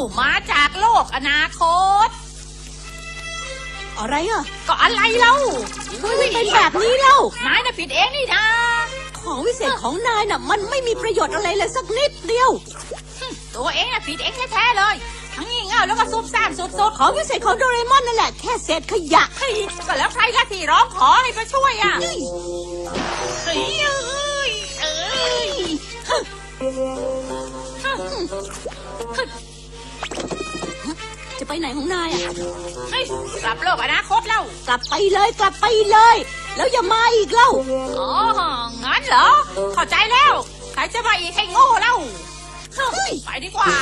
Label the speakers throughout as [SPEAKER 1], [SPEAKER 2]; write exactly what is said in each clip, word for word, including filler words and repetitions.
[SPEAKER 1] มาจากโลกอนาคต
[SPEAKER 2] อะไรอ่ะ
[SPEAKER 1] ก็อะไรเล่า
[SPEAKER 2] มันเป็นแบบนี้เล่าน
[SPEAKER 1] ายน่ะผิดเองนี่นะ
[SPEAKER 2] ของวิเศษของนายน่ะมันไม่มีประโยชน์อะไรเลยสักนิดเดียว
[SPEAKER 1] ตัวเองน่ะผิดเองแท้ๆเลยทั้งงี่เง่าแล้วก็ซุบซ่ามสุดๆ
[SPEAKER 2] ของวิเศษของโดเรมอนนั่นแหละแค่เศษขยะ
[SPEAKER 1] ก็แล้วใครล่ะที่ร้องขอให้มาช่วยอ่ะเฮ้ยเอ้ยเอ้ย
[SPEAKER 2] จะไปไหนของนายอ่ะ
[SPEAKER 1] เฮ้ยกลับโลกอนาคตเล่าก
[SPEAKER 2] ลับไปเลยกลับไปเลยแล้วอย่ามาอีกเล่า
[SPEAKER 1] อ๋องั้นเหรอเข้าใจแล้วใครจะมาอีกให้โง่เล่าไปดีกว่า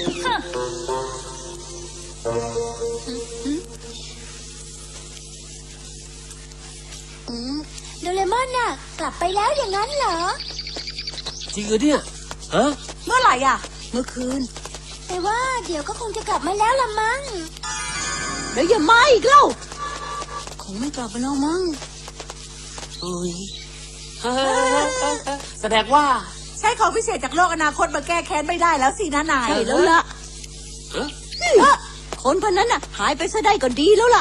[SPEAKER 3] โดเรมอนน่ะกลับไปแล้วอย่างนั้นเหรอ
[SPEAKER 4] จริงเหรอเนี่ยฮะ
[SPEAKER 2] เมื่อไหร่อ่ะเมื่อคืน
[SPEAKER 3] แต่ว่าเดี๋ยวก็คงจะกลับมาแล้วละมั้ง
[SPEAKER 2] แล้วอย่ามาอีกเล่าคงไม่กลับมาแล้วมั้ง
[SPEAKER 4] เอ้ยแสดงว่า
[SPEAKER 2] ใช้ของพิเศษจากโลกอนาคตมาแก้แค้นไม่ได้แล้วสินะนายใช่แล้วล่ะคนพวกนั้นน่ะหายไปซะได้ก็ดีแล้วล่ะ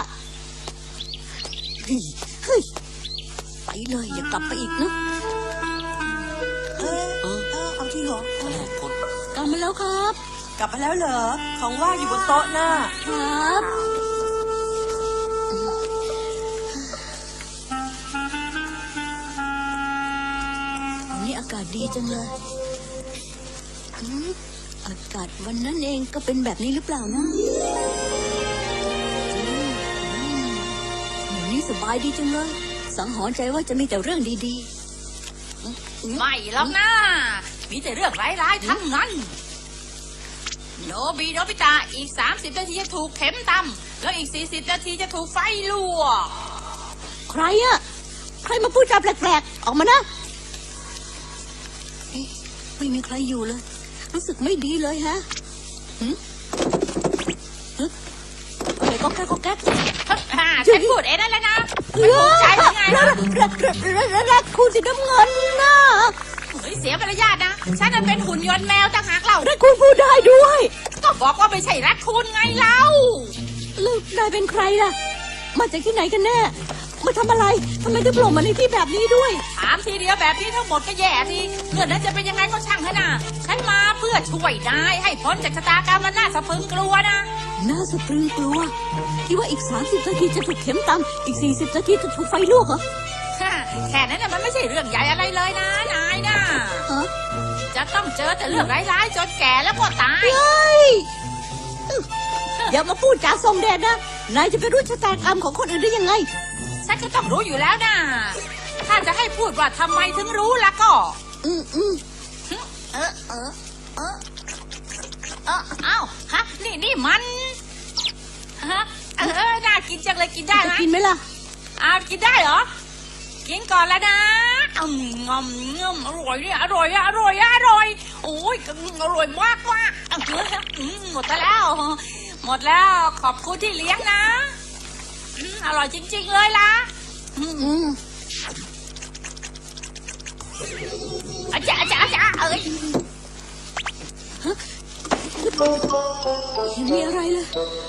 [SPEAKER 2] เฮ้ยไปเลยอย่ากลับไปอีกนะเออเออเอาที่หรอกลับมาแล้วครับกลับมาแล้วเหรอของว่างอยู่บนโต๊ะน่ะครับวันนี้อากาศดีจังเลยอากาศวันนั้นเองก็เป็นแบบนี้หรือเปล่านะวันนี้สบายดีจังเลยสังหรณ์ใจว่าจะมีแต่เรื่องดี
[SPEAKER 1] ๆไม่หรอกนะมีแต่เรื่องร้ายๆทั้งนั้นโนบิโนบิตะอีกสามสิบนาทีจะถูกเข็มตำแล้วอีกสี่สิบนาทีจะถูกไฟลวก
[SPEAKER 2] ใครอะใครมาพูดจาแปลกๆออกมานะไม่มีใครอยู่เลยรู้สึกไม่ดีเลยฮะหืมฮึอะไรก็แก๊กก็แก๊ก
[SPEAKER 1] ฉันพูดเองนั่นแหละนะมันถูกใจยังไงนะ
[SPEAKER 2] รักคุณสีน้ำเงินนะ
[SPEAKER 1] เฮ้ยเสียมารยาทนะฉันนั้นเป็นหุ่นยนต์แมวต่างหากเรา
[SPEAKER 2] รักคุณพูดได้ด้วย
[SPEAKER 1] ก็บอกว่าไม่ใช่รักคุณไงเล่า
[SPEAKER 2] ลูกนายเป็นใครล่ะมาจากที่ไหนกันแน่มาทำอะไรทำไมถึงโผล่มาในที่แบบนี้ด้วย
[SPEAKER 1] ถามทีเดียวแบบนี้ทั้งหมดก็แย่ทีเพื่อนนั้นจะเป็นยังไงก็ช่างเถอะนะฉันมาเพื่อช่วยนายให้พ้นจากชะตากรรมมันน่าสะพรึงกลัวนะ
[SPEAKER 2] น่าสะพรึงกลัวที่ว่าอีกสามสิบนาทีจะถูกเข็มตำอีกสี่สิบนาทีจะถูกไฟลวกเหรอ
[SPEAKER 1] แค่นั้นน่ะมันไม่ใช่เรื่องใหญ่อะไรเลยนะนายนะจะต้องเจอแต่เรื่องร้ายๆจนแก่แล้วก็ตาย
[SPEAKER 2] อย่ามาพูดจาทรงเดชนะนายจะไปรู้ชะตากรรมของคนอื่นได้ยังไง
[SPEAKER 1] ฉันก็ต้องรู้อยู่แล้วนะถ้าจะให้พูดว่าทำไมถึงรู้ล่ะก็
[SPEAKER 2] อืมอืม
[SPEAKER 1] เออเออเออเออเอ้าฮะนี่นี่มันฮะเออน่ากินจังเลยกินได้ไหม
[SPEAKER 2] กินไหมล่ะ
[SPEAKER 1] อ้าวกินได้เหรอกินก่อนแล้วนะอืมงอมงอมอร่อยเนี่ยอร่อยอร่อยอร่อยโอ้ยอร่อยมากมากหมดแล้วหมดแล้วขอบคุณที่เลี้ยงนะอร่อยจริงๆเลยล่ะอาจารย์อาจารย์อาจารย์เอ้ย
[SPEAKER 2] ยังมีอะไรเลย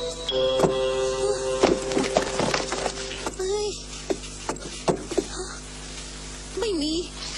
[SPEAKER 2] ไม่มี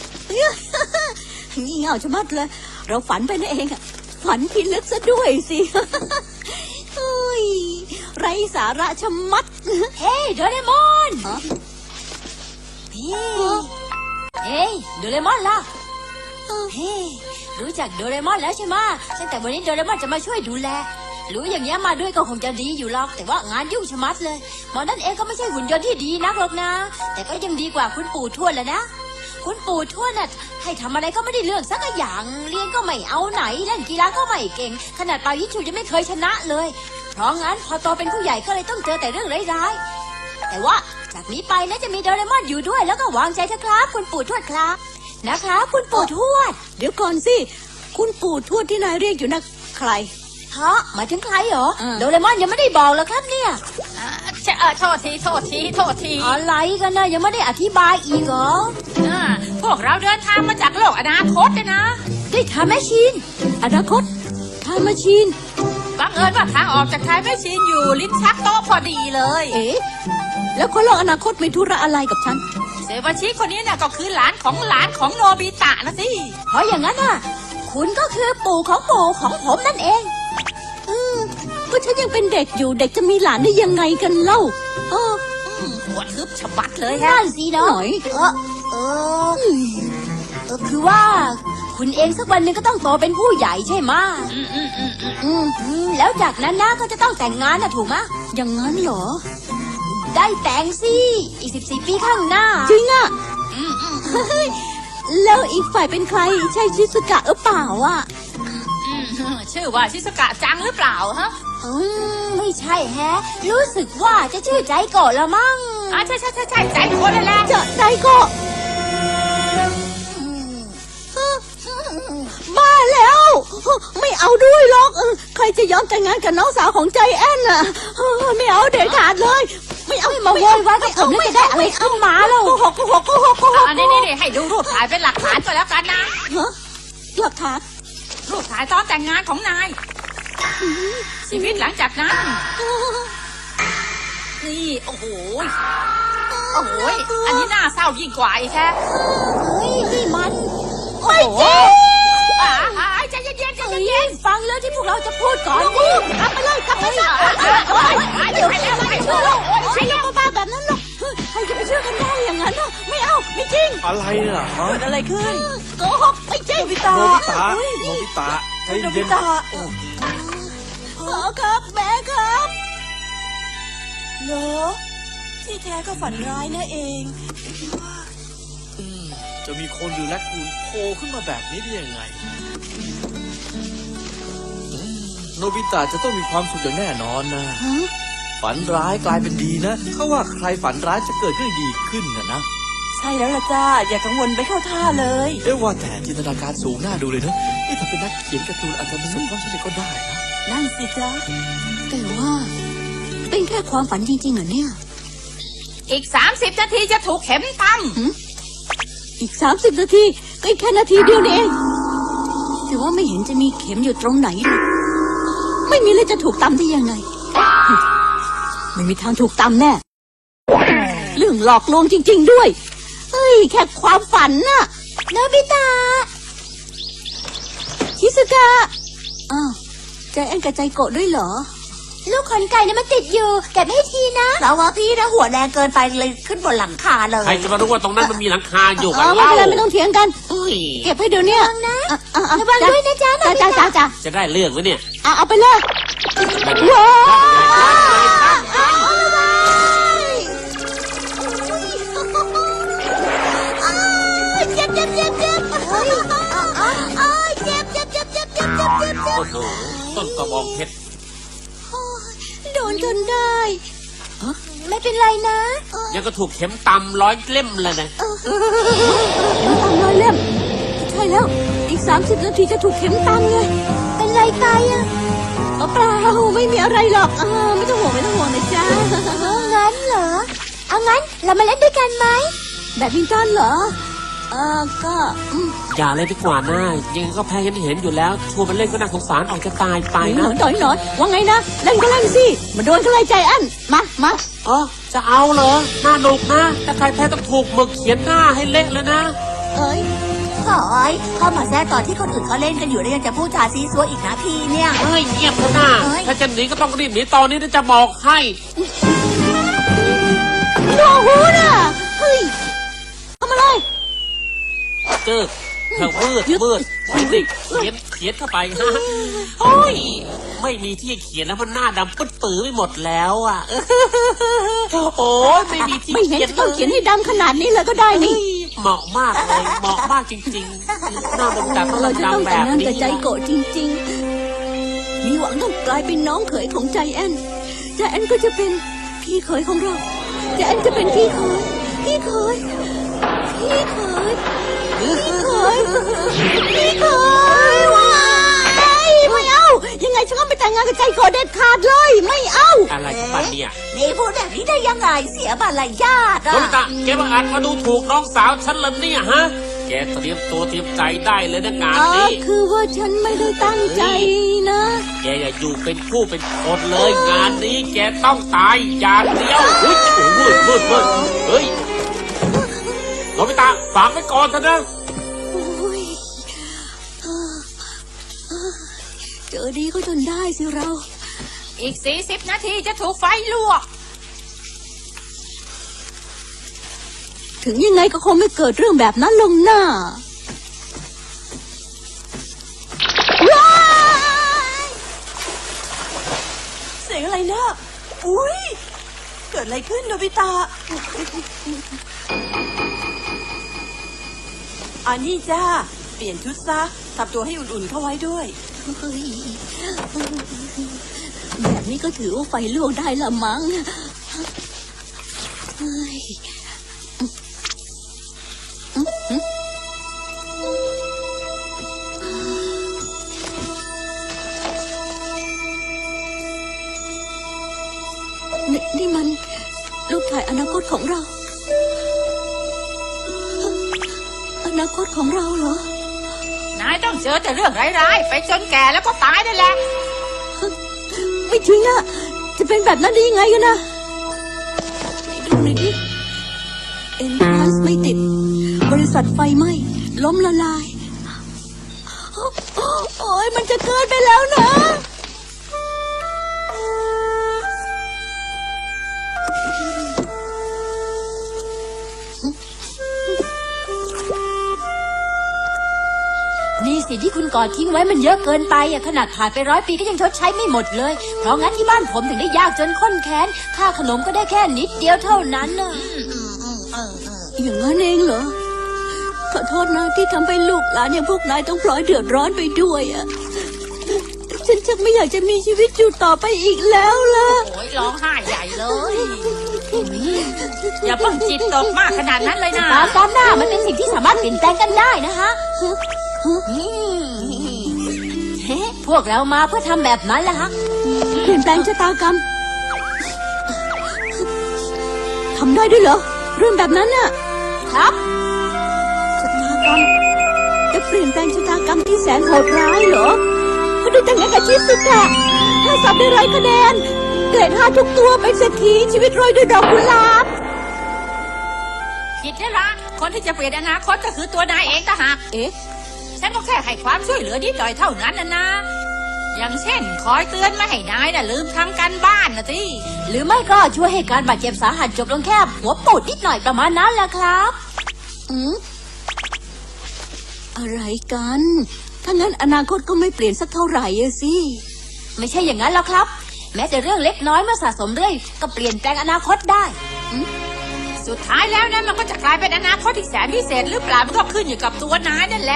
[SPEAKER 2] งี่เง่าชะมัดเลยเราฝันไปนั่นเองอะฝันพิลึกซะด้วยสิเฮ้ยไรสาระชะมัด
[SPEAKER 3] เฮ้โดเรมอนเฮ้เฮ้โดเรมอนล่ะเฮ้รู้จักโดเรมอนแล้วใช่ไหมตั้งแต่วันนี้โดเรมอนจะมาช่วยดูแลรู้อย่างเงี้ยมาด้วยก็คงจะดีอยู่หรอกแต่ว่างานยุ่งชะมัดเลยหมอนั่นเองก็ไม่ใช่หุ่นยนต์ที่ดีนักหรอกนะแต่ก็ยังดีกว่าคุณปู่ทวดแหละนะคุณปู่ทวดน่ะให้ทำอะไรก็ไม่ได้เรื่องสักอย่างเรียนก็ไม่เอาไหนเล่นกีฬาก็ไม่เก่งขนาดเป่ายิงฉุบยังไม่เคยชนะเลยเพราะงั้นพอโตเป็นผู้ใหญ่ก็เลยต้องเจอแต่เรื่องร้ายๆแต่ว่าจากนี้ไปนะจะมีโดเรมอนอยู่ด้วยแล้วก็วางใจเถอะครับคุณปู่ทวดครับนะคะคุณปู่ทวด
[SPEAKER 2] เดี๋ยวก่อนสิคุณปู่ทวดที่นายเรียกอยู่นะใคร
[SPEAKER 3] ฮะหมายถึงใครเหรอโดเรมอนยังไม่ได้บอกเลยครับเนี่ย
[SPEAKER 1] เออโทษทีโทษทีโทษที
[SPEAKER 3] อะไรกันนะยังไม่ได้อธิบายอีกเหรอ
[SPEAKER 1] พวกเราเดินทางมาจากโลกอนาคตเลยนะ
[SPEAKER 3] ได้ทำแมชชีน
[SPEAKER 2] อนาคตทำแมชชีน
[SPEAKER 1] ก็บังเอิญว่าทางออกจากไทยไม่ชินอยู่ลิ้นชักโต๊ะพอดีเลย
[SPEAKER 2] เอ๊ะแล้วคนโลกอนาคตมีธุระอะไรกับฉัน
[SPEAKER 1] เซวาชิคนนี้เนี่ยก็คือหลานของหลานของโนบิตะนะสิ
[SPEAKER 3] เพราะอย่างนั้นน่ะ คุณก็คือปู่ของปู่ของผมนั่นเอง
[SPEAKER 2] เออก็ฉันยังเป็นเด็กอยู่เด็กจะมีหลานได้ยังไงกันเล่าเออ
[SPEAKER 1] อืมหัวทึบฉบัดเลยฮะ
[SPEAKER 3] นั่นสิเนาะ
[SPEAKER 2] หน่อย
[SPEAKER 3] เออเออเออคือว่า คุณเองสักวันหนึ่งก็ต้องโตเป็นผู้ใหญ่ใช่ไหมะ
[SPEAKER 1] อืมอืมอืมอืม
[SPEAKER 3] อืมอืมแล้วจากนั้นนะก็จะต้องแต่งงานนะถูกไหมะ
[SPEAKER 2] อย่างนั้นเหรอ
[SPEAKER 3] ได้แต่งสิอีกสิบสี่ปีข้างหน้า
[SPEAKER 2] จริงอะ
[SPEAKER 1] อืมอืม
[SPEAKER 2] เฮ้ยแล้วอีกฝ่ายเป็นใครใช่ชิสุกะหรือเปล่าอะ
[SPEAKER 1] อืมชื่อว่าชิสกะจังหรือเปล่าฮะ
[SPEAKER 3] อืมไม่ใช่แฮะ รู้สึกว่าจะชื่อใจโกะละมั้ง
[SPEAKER 1] อ่าใช่ใช่ใช่ใช่ใจคนนั่นแหละ
[SPEAKER 2] เจอใจก็บ้าแล้ว ไม่เอาด้วยหรอกเออใครจะยอมแต่งงานกับน้องสาวของใจแอนน่ะเออไม่เอาเด็ดขาดเลย ไม่เอา
[SPEAKER 3] ไม่มาโวยวายกับผมแล้วจะได้อะไรขึ้นมาแล้ว
[SPEAKER 2] โกหกโกหกโกหกโกหก
[SPEAKER 1] อันนี้นี่นี่ให้ดูรูปถ่ายเป็นหลักฐานก็แล้วกันนะ
[SPEAKER 2] ฮะหลักฐาน
[SPEAKER 1] รูปถ่ายตอนแต่งงานของนาย ชีวิตหลังจากนั้น นี่โอ้โหโอ้โหอันนี้น่าเศร้ายิ่งกว่าอีกแค่
[SPEAKER 3] เฮ้ยนี่มัน
[SPEAKER 2] ไม่จริง
[SPEAKER 1] อ่าอ่าใจเย็นๆใจ
[SPEAKER 3] เฮ้ย
[SPEAKER 1] เย็น
[SPEAKER 3] ฟังแล้วที่พวกเราจะพูดก่อนดิ
[SPEAKER 2] กลับไปเลยกลับไปซะ
[SPEAKER 1] ๆโอ๊ยเดี๋ยวให้แล้วให้แล้วโอ๊ย
[SPEAKER 2] ใช่ยังบ้าๆแบบนั้นหรอกเฮ้ยใครจะไปเชื่อกันได้อย่างนั้นน่ะไม่เอาไม่จริง
[SPEAKER 4] อะไรน่ะฮะ
[SPEAKER 2] เกิดอะไรขึ้นโกหกไม่จริงโนบิตะ
[SPEAKER 4] โนบิตะโนบิตะใจ
[SPEAKER 2] โนบิ
[SPEAKER 4] เย็น
[SPEAKER 2] ตะพ่อครับแม่ครับเหรอที่แท้ก็ฝันร้ายนะเอง
[SPEAKER 4] อืมจะมีคนหรือแลกคูนโผล่ขึ้นมาแบบนี้ได้ยังไงอืมโนบิตะจะต้องมีความสุขอย่างแน่นอนนะ
[SPEAKER 2] ฮะ
[SPEAKER 4] ฝันร้ายกลายเป็นดีนะเขาว่าใครฝันร้ายจะเกิดเรื่องดีขึ้นนะนะ
[SPEAKER 2] ใช่แล้วล่ะจ้าอย่ากังวลไปเข้าท่าเลย
[SPEAKER 4] เรียกว่าแต่จินตนาการสูงน่าดูเลยนะนี่ถ้าเป็นนักเขียนการ์ตูนอาจจะประสบความสำเร็จก็ได้นะ
[SPEAKER 2] นั่นสิจ้าแต่ว่า เป็นแค่ความฝันจริงๆเหรอเนี่ย
[SPEAKER 1] อีกสามสิบนาทีจะถูกเข็มต
[SPEAKER 2] อีกสามสิบนาทีก็อีกแค่นาทีเดียวนี่เองแต่ว่าไม่เห็นจะมีเข็มอยู่ตรงไหนเลยไม่มีเลยจะถูกตำได้ยังไง ไม่มีทางถูกตำแน่เรื่องหลอกลวงจริง ๆ ด้วยเฮ้ยแค่ความฝันน่ะ
[SPEAKER 3] โนบิตะ
[SPEAKER 2] ชิสกะอ้าวใจแอนกับใจโกะด้วยเหรอ
[SPEAKER 3] ลูกขนไก่เนี่ยมันติดอยู่เก็บให้ทีนะ
[SPEAKER 5] เราว่าพี่นะหัวแดงเกินไปเลยขึ้นบนหลังคาเลย
[SPEAKER 6] ใครจะมารู้ว่าตรงนั้นมันมีหลังคาอยู่
[SPEAKER 2] เอ
[SPEAKER 6] กัน
[SPEAKER 2] อไม่
[SPEAKER 6] เล่า
[SPEAKER 2] เป็นไรไม่ต้องเถียงกัน
[SPEAKER 6] อุ้ย
[SPEAKER 2] เก็บให้เดี๋ยวเนี้
[SPEAKER 3] ระวังนะ
[SPEAKER 2] อ่ะอ่ะอ่ะ
[SPEAKER 3] ระวังด้วยนะจ๊ะโน
[SPEAKER 2] จ้า
[SPEAKER 3] บิ
[SPEAKER 2] จ้า
[SPEAKER 3] ตะ
[SPEAKER 2] จ้าจ้า
[SPEAKER 6] จะได้เรื่องไหมเนี่ย
[SPEAKER 2] อ่ะเอาไปเลยว้าวเจ็บเจ็บเจ็บเจ็บเฮ้ยเจ็บเจ็บเจ็บเจ็บเจ็บเจ็บเจ็บเจ็บ
[SPEAKER 6] โอ้โหต้นกระบองเพชร
[SPEAKER 2] โดนจนได้
[SPEAKER 3] ไม่เป็นไรนะ
[SPEAKER 6] ยังก็ถูกเข็มตำร้อยเล่มเลยนะ
[SPEAKER 2] เข็มตำร้อยเล่มใช่แล้ว อีกสามสิบนาทีจะถูกเข็มตำไง
[SPEAKER 3] เป็นไรไปอ่ะ
[SPEAKER 2] เออเปล่าไม่มีอะไรหรอกอ่าไม่ต้องห่วงไม่ต้องห่วงนะจ๊ะ
[SPEAKER 3] เอางั้นเหรอ เอางั้นเรามาเล่นด้วยกันไหม
[SPEAKER 2] แบดมินตันเหรอเออก็อืม
[SPEAKER 6] อย่าเลยดีกว่านะยังไงก็แพ้ยันเห็นอยู่แล้วชวนมันเล่นก็น่าสงสารออกจะตายไป
[SPEAKER 2] หน่
[SPEAKER 6] นะ
[SPEAKER 2] อยหน่อยหน่อยว่าไงนะเล่นก็เล่นสิมาโดนกันเลยใจอันมามา
[SPEAKER 6] เออจะเอาเหรอน่าหนุกนะถ้าใครแพ้ต้องถูกหมึกเขียนหน้าให้เละเลยนะ
[SPEAKER 2] เอ้ย
[SPEAKER 5] ขอยเข้ามาแทรกตอนที่คนอื่นเขาเล่นกันอยู่แล้วยังจะพูดจาซีซัวอีกนะพี่เนี่ย
[SPEAKER 6] เฮ้ยเงียบเถอะนะ
[SPEAKER 5] เอ้ย
[SPEAKER 6] ถ้าจะหนีก็ต้องรีบหนีตอนนี้นะจะบอกให้
[SPEAKER 2] โนหูน่ะเฮ้ยทำอะไร
[SPEAKER 6] เจอเธอมืดมืดมืดสิเขียนเขียนเข้าไปฮะโอ้ยไม่มีที่เขียนแล้วมันหน้าดำปึ๊ดปื้อไปหมดแล้วอ่ะโอ้ยไม่มีที่
[SPEAKER 2] ไม่เห็น
[SPEAKER 6] เขียน
[SPEAKER 2] จะต้องเขียนให้ดำขนาดนี้เลยก็ได้นี่
[SPEAKER 6] เหมาะมากเลยเหมาะมากจริงๆหน้าดำดำต้อง
[SPEAKER 2] เราจะต้อง
[SPEAKER 6] ดำแบ
[SPEAKER 2] แต่ง
[SPEAKER 6] บ
[SPEAKER 2] งาน
[SPEAKER 6] นี้
[SPEAKER 2] กับใจโกะจริงๆ มีหวังต้องกลายเป็นน้องเขยของใจแอนใจแอนก็จะเป็นพี่เขยของเราใจแอนจะเป็นพี่เขยพี่เขยพี่เขยพี่เขยพี่เขยว้ายไม่เอา ยังไงฉันก็ไม่แต่งงานกับใจโกะเด็ดขาดเลยไม่เอา
[SPEAKER 6] อะไรของมันเนี่ย
[SPEAKER 5] นี่พูดแบบนี้ได้ยังไงเสียมารยาท
[SPEAKER 6] โน
[SPEAKER 5] อ่ะ
[SPEAKER 6] บิตะแกมาอ่านมาดูถูกน้องสาวฉันเลยเนี่ยฮะแกเตรียมตัวเตรียมใจได้เลยนะงาน
[SPEAKER 3] อ๋อ
[SPEAKER 6] นี้
[SPEAKER 3] คือว่าฉันไม่ได้ตั้งใจนะ
[SPEAKER 6] แกอย่าอยู่เป็นผู้เป็นคนเลยงานนี้แกต้องตายอย่างเดียวเฮ้ยโอ้โหมืดมืดมืดเฮ้ยโนบิตะฝากไว้ก่อนเถอะนะ
[SPEAKER 3] โอ้ยเจอดีก็จนได้สิเรา
[SPEAKER 1] อีกสี่สิบนาทีจะถูกไฟลวก
[SPEAKER 3] ถึงยังไงก็คงไม่เกิดเรื่องแบบนั้นลงหน้าว้าย
[SPEAKER 2] เสียงอะไรนะอุ้ยเกิดอะไรขึ้นโนบิตะอันนี้จ้าเปลี่ยนชุดซะทำตัวให้อุ่นๆเข้าไว้ด้วย
[SPEAKER 3] เฮ้ยแบบนี้ก็ถือว่าไฟลวกได้ละมั้งเฮ้ยนี่นี่มันรูปถ่ายอนาคตของเรา อนาคตของเราเหรอ
[SPEAKER 1] นายต้องเจอแต่เรื่องร้ายๆไปจนแก่แล้วก็ตายนั่นแหละ
[SPEAKER 3] ไม่จริงอะจะเป็นแบบนั้นได้ยังไงกันนะไหนดูหน่อยดิเอ็นทรานซ์ไม่ติด บริษัทไฟไหม้ล้มละลาย โอ้ยมันจะเกินไปแล้วนะ นี่สิที่คุณกอดทิ้งไว้มันเยอะเกินไปอะขนาดผ่านไปร้อยปีก็ยังชดใช้ไม่หมดเลย เพราะงั้นที่บ้านผมถึงได้ยากจนข้นแค้นค่าขนมก็ได้แค่นิดเดียวเท่านั้นน่ะอย่างนั้นเองเหรอ ขอโทษนะที่ทำให้ลูกหลานอย่างพวกนายต้องพลอยเดือดร้อนไปด้วยอะฉันชักไม่อยากจะมีชีวิตอยู่ต่อไปอีกแล้วล่ะ
[SPEAKER 1] โอ้ยร้องไห้ใหญ่เลย อย่าเพิ่งจิตตกมากขนาดนั้นเลยนะ
[SPEAKER 3] ตามตามหน้ามันเป็นสิ่งที่สามารถเปลี่ยนแปลงกันได้นะคะพวกเรามาเพื่อทำแบบนั้นแหละฮะเปลี่ยนแปลงชะตากรรมทำได้ด้วยเหรอเรื่องแบบนั้นน่ะครับชะตากรรมจะเปลี่ยนแปลงชะตากรรมที่แสนโหดร้ายเหรอก็ดูแต่งงานกับชิสุกะถ้าสอบได้ร้อยคะแนนเกรดห้าทุกตัวเป็นเศรษฐีชีวิตโรยด้วยดอกกุหลาบ
[SPEAKER 1] ผิดแล้วละคนที่จะเปลี่ยนอนาคตก็คือตัวนายเองต่างหาก
[SPEAKER 3] เอ๊ะ
[SPEAKER 1] ฉันก็แค่ให้ความช่วยเหลือนิดหน่อยเท่านั้นนะนะ อย่างเช่น คอยเตือนไม่ให้นายน่ะลืมทำการบ้านนะสิ
[SPEAKER 3] หรือไม่ก็ช่วยให้การบาดเจ็บสาหัสจบลงแค่หัวปูดนิดหน่อยประมาณนั้นแหละครับอืมอะไรกัน ถ้างั้นอนาคตก็ไม่เปลี่ยนสักเท่าไหร่อะสิ ไม่ใช่อย่างนั้นหรอกครับ แม้แต่เรื่องเล็กน้อยเมื่อสะสมเรื่อยก็เปลี่ยนแปลงอนาคตได้
[SPEAKER 1] สุดท้ายแล้วนั้นมันก็จะกลายเป็นอนาคตที่แสนพิเศษหรือเปล่ามันก็ขึ้นอยู่กับตัวนายนั่นแหละ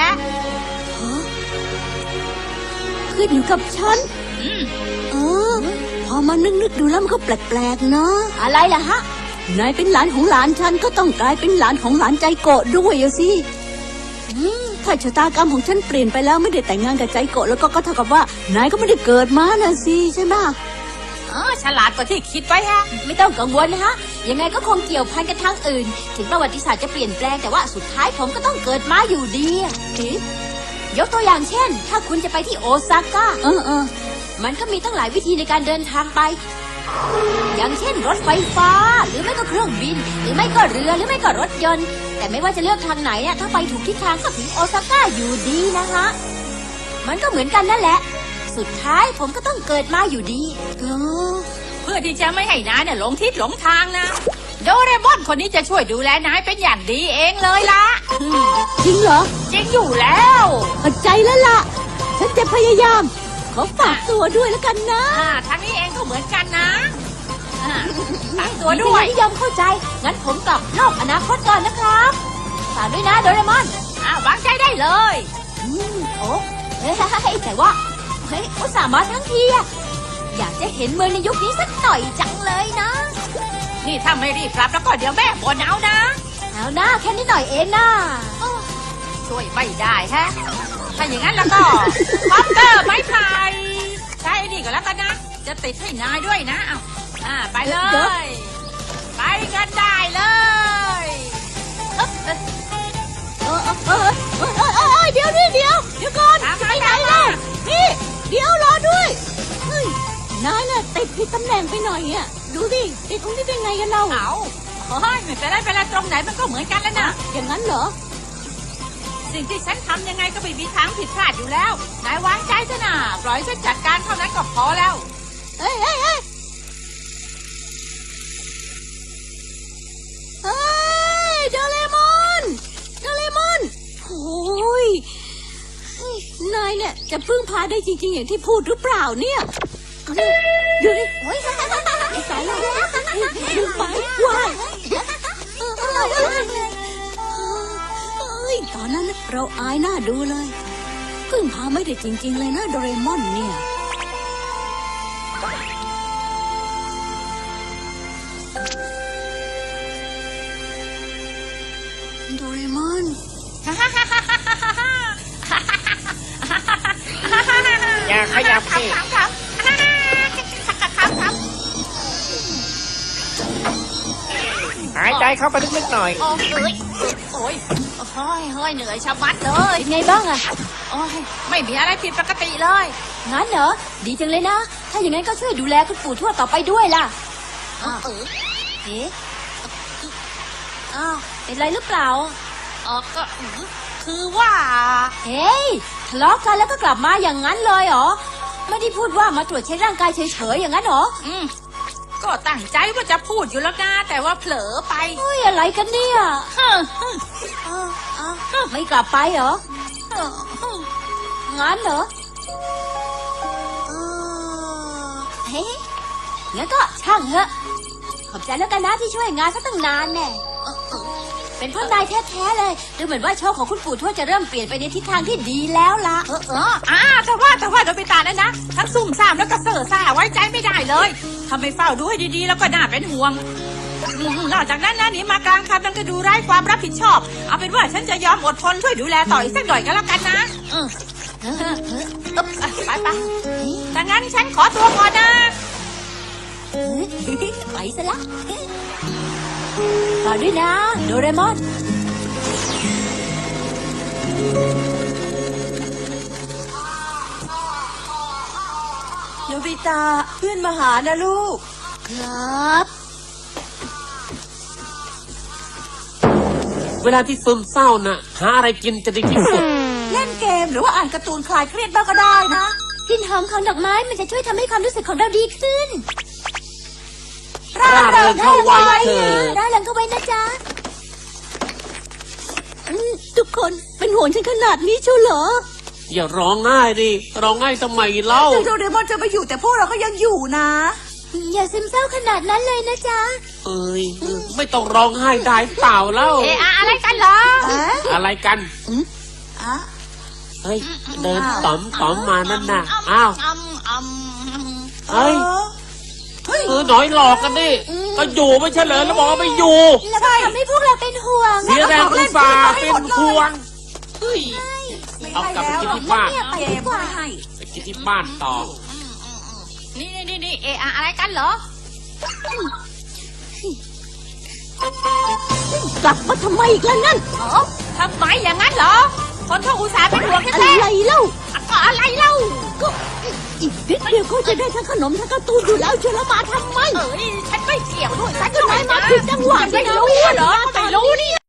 [SPEAKER 3] ขึ้นอยู่กับฉัน
[SPEAKER 1] อืม
[SPEAKER 3] เออพอมานึกนึกๆดูแล้วมันก็แปลกๆนะอะไรล่ะฮะ นายเป็นหลานของหลานฉันก็ต้องกลายเป็นหลานของหลานใจโกะด้วยอะสิอืมถ้าชะตากรรมของฉันเปลี่ยนไปแล้วไม่ได้แต่งงานกับใจโกะแล้วก็ก็เท่ากับว่านายก็ไม่ได้เกิดมาน่ะสิใช่ไหม
[SPEAKER 1] อ๋อฉลาดกว่าที่คิดไว้ฮะ
[SPEAKER 3] ไม่ต้องกังวลนะฮะ ยังไงก็คงเกี่ยวพันกันทางอื่น ถึงประวัติศาสตร์จะเปลี่ยนแปลงแต่ว่าสุดท้ายผมก็ต้องเกิดมาอยู่ดีอะเอ๊ะยกตัวอย่างเช่น ถ้าคุณจะไปที่โอซาก้าเออเออมันก็มีตั้งหลายวิธีในการเดินทางไป อย่างเช่นรถไฟฟ้า หรือไม่ก็เครื่องบิน หรือไม่ก็เรือหรือไม่ก็รถยนต์ แต่ไม่ว่าจะเลือกทางไหนอะถ้าไปถูกทิศทางก็ถึงโอซาก้าอยู่ดีนะคะ มันก็เหมือนกันนั่นแหละ สุดท้ายผมก็ต้องเกิดมาอยู่ดีเออ
[SPEAKER 1] เพื่อที่จะไม่ให้นายเนี่ยหลงทิศหลงทางนะ โดเรมอนคนนี้จะช่วยดูแลนายเป็นอย่างดีเองเลยล่ะ
[SPEAKER 3] จริงเหรอ
[SPEAKER 1] จริงอยู่แล้ว
[SPEAKER 3] เข้าใจแล้วล่ะ ฉันจะพยายาม ขอฝากตัวด้วยแล้วกันนะ
[SPEAKER 1] อ่าทางนี้เองก็เหมือนกันนะอ่าฝากตัวด้วย
[SPEAKER 3] ที่ยอมเข้าใจ งั้นผมกลับโลกอนาคตก่อนนะครับ ฝากด้วยนะโดเรมอน
[SPEAKER 1] อ่าวางใจได้เลย
[SPEAKER 3] อืมโอ้เฮ้ยแต่ว่า เฮ้ยอุตส่าห์มาทั้งทีอะอยากจะเห็นเมืองในยุคนี้สักหน่อยจังเลยนะ
[SPEAKER 1] นี่ถ้าไม่รีบกลับแล้วก็เดี๋ยวแม่บ่นเอานะ
[SPEAKER 3] เอาหน้าแค่นิดหน่อยเองนะ
[SPEAKER 1] ช่วยไม่ได้แฮะ ถ้าอย่างนั้นแล้วก็คอปเตอร์ไม้ไผ่ใช่นี่ก็แล้วกันนะ จะติดให้นายด้วยนะเอาอ่าไปเลย ไปกันได้เลย
[SPEAKER 3] เออเออเออนายน่ะติดผิดตำแหน่งไปหน่อยอ่ะดูดิติดตรงนี้เป็นไงกันเรา
[SPEAKER 1] เอาเฮ้ยไม่เป็นไรเป็นไรตรงไหนมันก็เหมือนกันแล้วนะ
[SPEAKER 3] อย่างนั้นเหรอ
[SPEAKER 1] สิ่งที่ฉันทำยังไงก็ไม่มีทางผิดพลาดอยู่แล้ว นายวางใจซะนะปล่อยฉันจัดการเท่านั้นก็พอแล้ว
[SPEAKER 3] เอ้ยเอ้ยเอ้ยเฮ้ยโดเรมอนโดเรมอนโอ้ยเฮ้ยนายเนี่ยจะพึ่งพาได้จริงๆอย่างที่พูดหรือเปล่าเนี่ยเดี๋ยวดิโอ้ยตายแล้วดึงไปว้ายเอ้ยตอนนั้นเราอายหน้าดูเลยพึ่งพาไม่ได้จริงๆเลยนะโดเรมอนเนี่ยโดเรมอน
[SPEAKER 6] อย่าขยับสิ
[SPEAKER 1] ครับครับครับครับ
[SPEAKER 6] หายใจเข้าไปลึกๆหน่อย
[SPEAKER 1] โอ้ยโอ้ยโอ้ยเฮ้ยเหนื่อยชะมัดเลย
[SPEAKER 3] เป็นไงบ้างอะ
[SPEAKER 1] โอ้ยไม่มีอะไรผิดปกติเลย
[SPEAKER 3] งั้นเหรอ ดีจังเลยนะ ถ้าอย่างนั้นก็ช่วยดูแลคุณปู่ทวดต่อไปด้วยล่ะอ้าว
[SPEAKER 1] เออ
[SPEAKER 3] เอ๊ะอ้าวเป็นไรหรือเปล่า
[SPEAKER 1] เออก็คือว่า
[SPEAKER 3] เฮ้ยทะเลาะกันแล้วก็กลับมาอย่างนั้นเลยเหรอ ไม่ได้พูดว่ามาตรวจเช็คร่างกายเฉยๆอย่างนั้นเหรอ
[SPEAKER 1] อืมก็ตั้งใจว่าจะพูดอยู่แล้วนะแต่ว่าเผลอไป
[SPEAKER 3] เฮ้ยอะไรกันเนี่ย
[SPEAKER 1] ฮึ่ม
[SPEAKER 3] อ้าวอ้าวไม่กลับไปเหรอ
[SPEAKER 1] ฮึ่มฮึ่ม
[SPEAKER 3] งั้นเหรอเออเฮ้ยงั้นก็ช่างเถอะ ขอบใจแล้วกันนะที่ช่วยงานซะตั้งนานแน่เออเออเป็นเพราะนายแท้ๆเลย ดูเหมือนว่าโชคของคุณปู่ทวดจะเริ่มเปลี่ยนไปในทิศทางที่ดีแล้วล่ะ
[SPEAKER 1] เออเอออ่าแต่ว่าแต่ว่าโดบิตานั่นนะทั้งซุ่มซ่ามแล้วก็เซ่อซ่าไว้ใจไม่ได้เลยทำไมเฝ้าดูให้ดีๆแล้วก็น่าเป็นห่วงอืมนอกจากนั้นนะหนี่มากลางคันมันก็ดูไร้ความรับผิดชอบ เอาเป็นว่าฉันจะยอมอดทนช่วยดูแลต่ออีกสักหน่อยก็แล้วกันนะอืม
[SPEAKER 3] เออเออเออ
[SPEAKER 1] อึ๊บอ่ะไปไปดังนั้นฉันขอตัวก่อนนะ
[SPEAKER 3] เออไปซะละต่อด้วยนะ โดเรมอน
[SPEAKER 2] โนบิตะเพื่อนมาหานะลูก
[SPEAKER 3] ครับ
[SPEAKER 6] เวลาที่ซึมเศร้าน่ะ หาอะไรกินจะดีที่สุด
[SPEAKER 2] เล่นเกมหรือว่าอ่านการ์ตูนคลายเครียดบ้างก็ได้นะ
[SPEAKER 3] กลิ่นหอมของดอกไม้มันจะช่วยทำให้ความรู้สึกของเราดีขึ้น
[SPEAKER 6] ร่าเริงเข้าไว้เถิด
[SPEAKER 3] ได้แล้วก็ไว้นะจ๊ะอืมทุกคนเป็นห่วงฉันขนาดนี้เชียวเหรอ
[SPEAKER 6] อย่าร้องง่ายดิ ร้องง่ายทำไมเล่า
[SPEAKER 2] ถึงโดเรมอนจะไปอยู่แต่พวกเราก็ยังอยู่นะ
[SPEAKER 3] อย่าซึมเศร้าขนาดนั้นเลยนะจ๊ะ
[SPEAKER 6] เอ้ยไม่ต้องร้องไห้ได้เปล่าเล่า
[SPEAKER 1] เอะอะอะไรกันเหรอ
[SPEAKER 2] เอ๊ะ
[SPEAKER 6] อะไรกัน
[SPEAKER 2] อ่ะ
[SPEAKER 6] เฮ้ย เดินต๋อมต๋อมมานั่นน่ะ อ้าว
[SPEAKER 1] อืมอืมอืม
[SPEAKER 6] เฮ้ย
[SPEAKER 2] เฮ้ย
[SPEAKER 6] เออหน่อยหลอกกันดิ ก็อยู่ไม่ใช่เหรอแล้วบอกว่าไม่อยู่
[SPEAKER 3] แล้วก็ทำให้พวกเราเป็นห่วง
[SPEAKER 6] เสียแรงอุตส่าห์เป็นห่วงเฮ้ย เอากลับไปกินที่บ้าน
[SPEAKER 3] เนี่ยไป
[SPEAKER 2] เก
[SPEAKER 3] ดี
[SPEAKER 2] ม
[SPEAKER 3] กว่า
[SPEAKER 2] ไม่ให้
[SPEAKER 6] ไปกินที่บ้านต่อ
[SPEAKER 1] นี่นี่นี่เอะอะอะไรกันเหรอ
[SPEAKER 3] กลับมาทำไมอีกแล้วนั่น
[SPEAKER 1] เออทำไมอย่างนั้นเหรอ คนเขาอุตส่าห์เป็นห่วง
[SPEAKER 3] อะ
[SPEAKER 1] แท้
[SPEAKER 3] ไรเล่า
[SPEAKER 1] ๆก็อะไรเล่า
[SPEAKER 3] ก็อีกนิดเดียวก็จะได้ทั้งขนมทั้งการ์ตูนอยู่แล้วเชียวแล้วมาทำไม
[SPEAKER 1] เอ้ยฉันไม่เกี่ยวด้วยฉัน
[SPEAKER 3] ก็นายมาผิดจังหวะ
[SPEAKER 1] ไม่
[SPEAKER 3] นี่นะ
[SPEAKER 1] รู้เหรอไม่รู้นี่